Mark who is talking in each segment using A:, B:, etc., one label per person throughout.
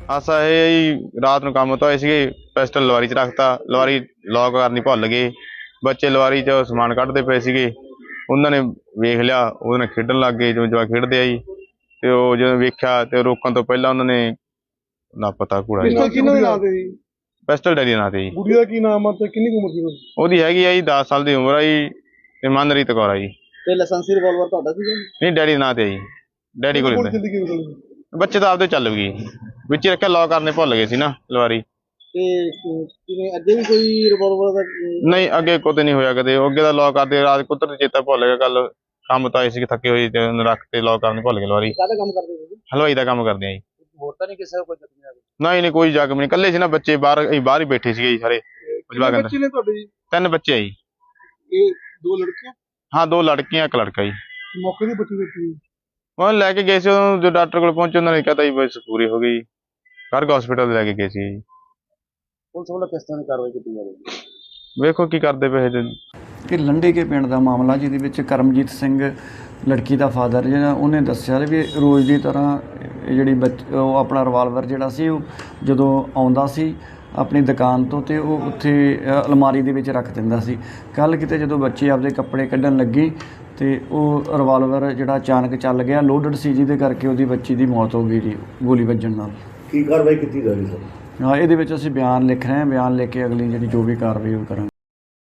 A: ਹਾਸਾ ਇਹ ਹੈ ਜੀ, ਰਾਤ ਨੂੰ ਕੰਮ ਤੋਂ ਆਏ ਸੀਗੇ, ਪਿਸਟਲ ਲਵਾਰੀ 'ਚ ਰੱਖਤਾ। ਲਵਾਰੀ ਲੌਕ ਕਰਨੀ ਭੁੱਲ ਗਏ। ਬੱਚੇ ਲਵਾਰੀ 'ਚ ਸਮਾਨ ਕੱਢਦੇ ਪਏ ਸੀਗੇ, ਉਹਨਾਂ ਨੇ ਵੇਖ ਲਿਆ, ਉਹਦੇ ਨਾਲ ਖੇਡਣ ਲੱਗ ਗਏ ਜਿਵੇਂ ਜਵਾਕ ਖੇਡਦੇ ਆ ਜੀ। ਤੇ ਉਹ ਜਦੋਂ ਵੇਖਿਆ ਤੇ ਰੋਕਣ ਤੋਂ ਪਹਿਲਾਂ ਉਹਨਾਂ ਨੇ ਲਾਪਤਾ ਘੋੜਾ ਜੀ।
B: ਕਿਹਨਾਂ ਦੇ ਨਾਂ ਤੇ ਜੀ?
A: ਪਿਸਟਲ ਡੈਡੀ ਦੇ ਨਾਂ ਤੇ ਜੀ।
B: ਕੁੜੀ ਦਾ ਕੀ ਨਾਮ ਆ ਤੇ ਕਿੰਨੀ ਕੁ ਉਮਰ ਸੀ ਉਹਦੀ?
A: ਉਹਦੀ ਹੈਗੀ ਆ ਜੀ 10 ਸਾਲ ਦੀ ਉਮਰ ਆ ਜੀ, ਤੇ ਮਨਰੀਤ ਕੌਰ ਆ ਜੀ।
B: ਤੇ ਲਾਇਸੈਂਸੀ ਰਿਵਾਲਵਰ ਤੁਹਾਡਾ ਸੀਗਾ?
A: ਨਹੀਂ, ਡੈਡੀ ਦੇ ਨਾਂ ਤੇ ਆ ਜੀ, ਡੈਡੀ ਕੋਲ ਹੁੰਦਾ।
B: ਜ਼ਿੰਦਗੀ ਬਦਲ ਗਈ।
A: ਬੱਚੇ ਤਾਂ ਆਪਦੇ ਚੱਲ ਗਏ, ਵਿੱਚ ਹੀ ਰੱਖਿਆ, ਲੌਕ ਕਰਨੇ ਭੁੱਲ ਗਏ ਸੀ ਨਾ ਲਵਾਰੀ।
B: ਤੇ ਕਿਵੇਂ ਅੱਗੇ ਵੀ ਕੋਈ ਰਿਵਾਲਵਰ ਦਾ?
A: ਨਹੀਂ, ਅੱਗੇ ਕੁਝ ਨਹੀਂ ਹੋਇਆ ਕਦੇ। ਅੱਗੇ ਦਾ ਲੌਕ ਕਰਦੇ ਰਾਤ ਕੁਦਰਤੀ ਚੇਤਾ ਭੁੱਲ ਗਿਆ। ਕੱਲ ਕੰਮ ਤਾਂ ਆਏ ਸੀ ਥੱਕੇ ਹੋਏ, ਤੇ ਉਹਨੂੰ ਰੱਖ ਤੇ ਲੌਕ ਕਰਨੇ ਭੁੱਲ ਗਏ ਲਵਾਰੀ।
B: ਕਾਹਦਾ ਕੰਮ ਕਰਦੇ ਹੋ ਤੁਸੀਂ?
A: ਹਲਵਾਈ ਦਾ ਕੰਮ ਕਰਦੇ ਆ ਜੀ।
B: ਹੋਰ ਤਾਂ ਨਹੀਂ ਕਿਸੇ ਦਾ ਕੋਈ ਜ਼ਖਮੀ ਆ ਗਿਆ?
A: ਨਹੀਂ, ਕੋਈ ਜ਼ਖਮ ਨਹੀਂ, ਇਕੱਲੇ ਸੀ ਨਾ ਬੱਚੇ, ਬਾਹਰ ਹੀ ਬੈਠੇ ਸੀਗੇ ਜੀ ਸਾਰੇ।
B: ਕਿੰਨੇ ਬੱਚੇ ਨੇ ਤੁਹਾਡੇ ਜੀ?
A: 3 ਬੱਚੇ ਆ ਜੀ।
B: ਇਹ 2 ਲੜਕੀਆਂ?
A: ਹਾਂ, 2 ਲੜਕੀਆਂ, 1 ਲੜਕਾ ਜੀ।
B: ਮੌਕੇ ਦੀ ਬੱਚੀ ਦੇਖੀ?
A: ਉਹ ਲੈ ਕੇ ਗਏ ਸੀ, ਉਹਨੂੰ ਜੋ ਡਾਕਟਰ ਕੋਲ ਪਹੁੰਚੇ ਉਹਨਾਂ ਨੇ ਕਹਤਾ ਜੀ ਬਸ ਪੂਰੀ ਹੋ ਗਈ। ਗਰਗ ਹਸਪੀਟਲ ਲੈ ਕੇ ਗਏ ਸੀ ਜੀ।
B: ਪੁਲਿਸ ਵੱਲੋਂ ਕਿਸ ਤਰ੍ਹਾਂ ਦੀ ਕਾਰਵਾਈ ਕੀਤੀ ਜਾ ਰਹੀ ਹੈ?
A: ਵੇਖੋ ਕੀ ਕਰਦੇ ਪਏ ਜੀ।
C: ਕਿ ਲੰਡੇ ਕੇ ਪਿੰਡ ਦਾ ਮਾਮਲਾ, ਜਿਹਦੇ ਵਿੱਚ ਕਰਮਜੀਤ ਸਿੰਘ ਲੜਕੀ ਦਾ ਫਾਦਰ ਜਿਹੜਾ, ਉਹਨੇ ਦੱਸਿਆ ਵੀ ਰੋਜ਼ ਦੀ ਤਰ੍ਹਾਂ ਇਹ ਜਿਹੜੀ ਉਹ ਆਪਣਾ ਰਿਵਾਲਵਰ ਜਿਹੜਾ ਸੀ, ਉਹ ਜਦੋਂ ਆਉਂਦਾ ਸੀ ਆਪਣੀ ਦੁਕਾਨ ਤੋਂ, ਤੇ ਉਹ ਉੱਥੇ ਅਲਮਾਰੀ ਦੇ ਵਿੱਚ ਰੱਖ ਦਿੰਦਾ ਸੀ। ਕੱਲ੍ਹ ਕਿਤੇ ਜਦੋਂ ਬੱਚੇ ਆਪਦੇ ਕੱਪੜੇ ਕੱਢਣ ਲੱਗੀ, ਤੇ ਉਹ ਰਿਵਾਲਵਰ ਜਿਹੜਾ ਅਚਾਨਕ ਚੱਲ ਗਿਆ, ਲੋਡਡ ਸੀ, ਜਿਹਦੇ ਕਰਕੇ ਉਹਦੀ ਬੱਚੀ ਦੀ ਮੌਤ ਹੋ ਗਈ ਜੀ, ਗੋਲੀ ਵੱਜਣ ਨਾਲ।
D: ਕੀ ਕਾਰਵਾਈ ਕੀਤੀ ਜਾ ਰਹੀ ਸਰ?
C: ਹਾਂ, ਇਹਦੇ ਵਿੱਚ ਅਸੀਂ ਬਿਆਨ ਲਿਖ ਰਹੇ ਹਾਂ। ਬਿਆਨ ਲਿਖ ਕੇ ਅਗਲੀ ਜਿਹੜੀ ਜੋ ਵੀ ਕਾਰਵਾਈ ਉਹ ਕਰਾਂਗੇ।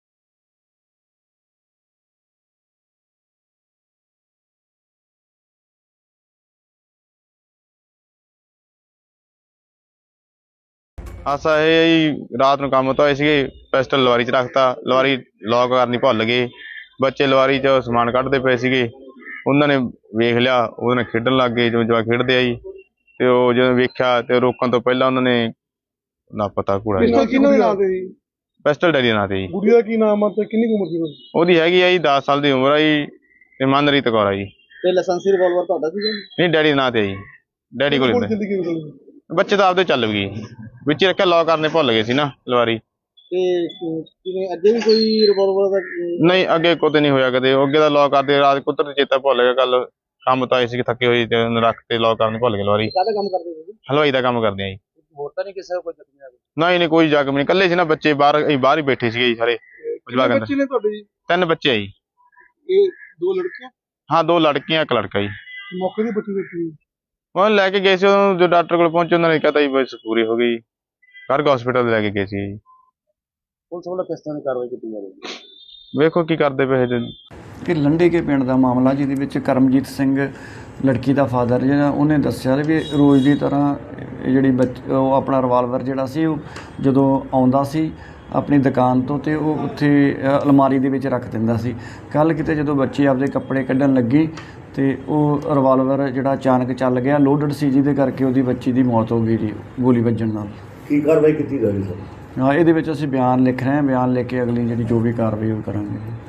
A: ਹਾਸਾ ਇਹ ਹੈ ਜੀ, ਰਾਤ ਨੂੰ ਕੰਮ ਤੋਂ ਆਏ ਸੀਗੇ, ਪਿਸਟਲ ਲਵਾਰੀ 'ਚ ਰੱਖਤਾ। ਲਵਾਰੀ ਲੌਕ ਕਰਨੀ ਭੁੱਲ ਗਏ। ਬੱਚੇ ਲਵਾਰੀ 'ਚ ਸਮਾਨ ਕੱਢਦੇ ਪਏ ਸੀਗੇ, ਉਹਨਾਂ ਨੇ ਵੇਖ ਲਿਆ, ਉਹਦੇ ਨਾਲ ਖੇਡਣ ਲੱਗ ਗਏ ਜਿਵੇਂ ਜਵਾਕ ਖੇਡਦੇ ਆ ਜੀ। ਤੇ ਉਹ ਜਦੋਂ ਵੇਖਿਆ ਤੇ ਰੋਕਣ ਤੋਂ ਪਹਿਲਾਂ ਉਹਨਾਂ ਨੇ ਲਾਪਤਾ ਘੋੜਾ ਜੀ।
B: ਕਿਹਨਾਂ ਦੇ ਨਾਂ ਤੇ ਜੀ?
A: ਪਿਸਟਲ ਡੈਡੀ ਦੇ ਨਾਂ ਤੇ ਜੀ।
B: ਕੁੜੀ ਦਾ ਕੀ ਨਾਮ ਆ ਤੇ ਕਿੰਨੀ ਕੁ ਉਮਰ ਸੀ ਉਹਦੀ?
A: ਉਹਦੀ ਹੈਗੀ ਆ ਜੀ 10 ਸਾਲ ਦੀ ਉਮਰ ਆ ਜੀ, ਤੇ ਮਨਰੀਤ ਕੌਰ ਆ ਜੀ।
B: ਤੇ ਲਾਇਸੈਂਸੀ ਰਿਵਾਲਵਰ ਤੁਹਾਡਾ ਸੀਗਾ?
A: ਨਹੀਂ, ਡੈਡੀ ਦੇ ਨਾਂ ਤੇ ਆ ਜੀ, ਡੈਡੀ ਕੋਲ ਹੁੰਦਾ।
B: ਜ਼ਿੰਦਗੀ ਬਦਲ ਗਈ।
A: ਬੱਚੇ ਤਾਂ ਆਪਦੇ ਚੱਲ ਗਏ, ਵਿੱਚ ਹੀ ਰੱਖਿਆ, ਲੌਕ ਕਰਨੇ ਭੁੱਲ ਗਏ ਸੀ ਨਾ ਲਵਾਰੀ।
B: ਤੇ ਕਿਵੇਂ ਅੱਗੇ ਵੀ ਕੋਈ ਰਿਵਾਲਵਰ ਦਾ?
A: ਨਹੀਂ, ਅੱਗੇ ਕੁਝ ਨਹੀਂ ਹੋਇਆ ਕਦੇ। ਅੱਗੇ ਦਾ ਲੌਕ ਕਰਦੇ ਰਾਤ ਕੁਦਰਤੀ ਚੇਤਾ ਭੁੱਲ ਗਿਆ। ਕੱਲ ਕੰਮ ਤਾਂ ਆਏ ਸੀ ਥੱਕੇ ਹੋਏ, ਤੇ ਉਹਨੂੰ ਰੱਖ ਤੇ ਲੌਕ ਕਰਨੇ ਭੁੱਲ ਗਏ ਲਵਾਰੀ।
B: ਕਾਹਦਾ ਕੰਮ ਕਰਦੇ ਹੋ ਤੁਸੀਂ?
A: ਹਲਵਾਈ ਦਾ ਕੰਮ ਕਰਦੇ ਆ ਜੀ।
B: ਹੋਰ ਤਾਂ ਨਹੀਂ ਕਿਸੇ ਦਾ ਕੋਈ ਜ਼ਖਮੀ ਆ ਗਿਆ?
A: ਨਹੀਂ, ਕੋਈ ਜ਼ਖਮ ਨਹੀਂ, ਇਕੱਲੇ ਸੀ ਨਾ ਬੱਚੇ, ਬਾਹਰ ਹੀ ਬੈਠੇ ਸੀਗੇ ਜੀ ਸਾਰੇ।
B: ਕਿੰਨੇ ਬੱਚੇ ਨੇ ਤੁਹਾਡੇ ਜੀ?
A: 3 ਬੱਚੇ ਆ ਜੀ।
B: ਇਹ 2 ਲੜਕੀਆਂ?
A: ਹਾਂ, 2 ਲੜਕੀਆਂ, 1 ਲੜਕਾ ਜੀ।
B: ਮੌਕੇ ਦੀ ਬੱਚੀ ਦੇਖੀ?
A: ਉਹ ਲੈ ਕੇ ਗਏ ਸੀ, ਉਹਨੂੰ ਜੋ ਡਾਕਟਰ ਕੋਲ ਪਹੁੰਚੇ ਉਹਨਾਂ ਨੇ ਕਹਤਾ ਜੀ ਬਸ ਪੂਰੀ ਹੋ ਗਈ। ਗਰਗ ਹਸਪੀਟਲ ਲੈ ਕੇ ਗਏ ਸੀ ਜੀ।
B: ਪੁਲਿਸ ਵੱਲੋਂ ਕਿਸ ਤਰ੍ਹਾਂ ਦੀ ਕਾਰਵਾਈ ਕੀਤੀ ਜਾ ਰਹੀ ਹੈ?
A: ਵੇਖੋ ਕੀ ਕਰਦੇ ਪਏ ਜੀ।
C: ਕਿ ਲੰਡੇ ਕੇ ਪਿੰਡ ਦਾ ਮਾਮਲਾ, ਜਿਹਦੇ ਵਿੱਚ ਕਰਮਜੀਤ ਸਿੰਘ ਲੜਕੀ ਦਾ ਫਾਦਰ ਜਿਹੜਾ, ਉਹਨੇ ਦੱਸਿਆ ਵੀ ਰੋਜ਼ ਦੀ ਤਰ੍ਹਾਂ ਇਹ ਜਿਹੜੀ ਉਹ ਆਪਣਾ ਰਿਵਾਲਵਰ ਜਿਹੜਾ ਸੀ, ਉਹ ਜਦੋਂ ਆਉਂਦਾ ਸੀ ਆਪਣੀ ਦੁਕਾਨ ਤੋਂ, ਤੇ ਉਹ ਉੱਥੇ ਅਲਮਾਰੀ ਦੇ ਵਿੱਚ ਰੱਖ ਦਿੰਦਾ ਸੀ। ਕੱਲ੍ਹ ਕਿਤੇ ਜਦੋਂ ਬੱਚੇ ਆਪਦੇ ਕੱਪੜੇ ਕੱਢਣ ਲੱਗੀ, ਤੇ ਉਹ ਰਿਵਾਲਵਰ ਜਿਹੜਾ ਅਚਾਨਕ ਚੱਲ ਗਿਆ, ਲੋਡਡ ਸੀ, ਜਿਹਦੇ ਕਰਕੇ ਉਹਦੀ ਬੱਚੀ ਦੀ ਮੌਤ ਹੋ ਗਈ ਜੀ, ਗੋਲੀ ਵੱਜਣ ਨਾਲ।
D: ਕੀ ਕਾਰਵਾਈ ਕੀਤੀ ਜਾ ਰਹੀ ਸਰ?
C: ਹਾਂ, ਇਹਦੇ ਵਿੱਚ ਅਸੀਂ ਬਿਆਨ ਲਿਖ ਰਹੇ ਹਾਂ। ਬਿਆਨ ਲਿਖ ਕੇ ਅਗਲੀ ਜਿਹੜੀ ਜੋ ਵੀ ਕਾਰਵਾਈ ਉਹ ਕਰਾਂਗੇ।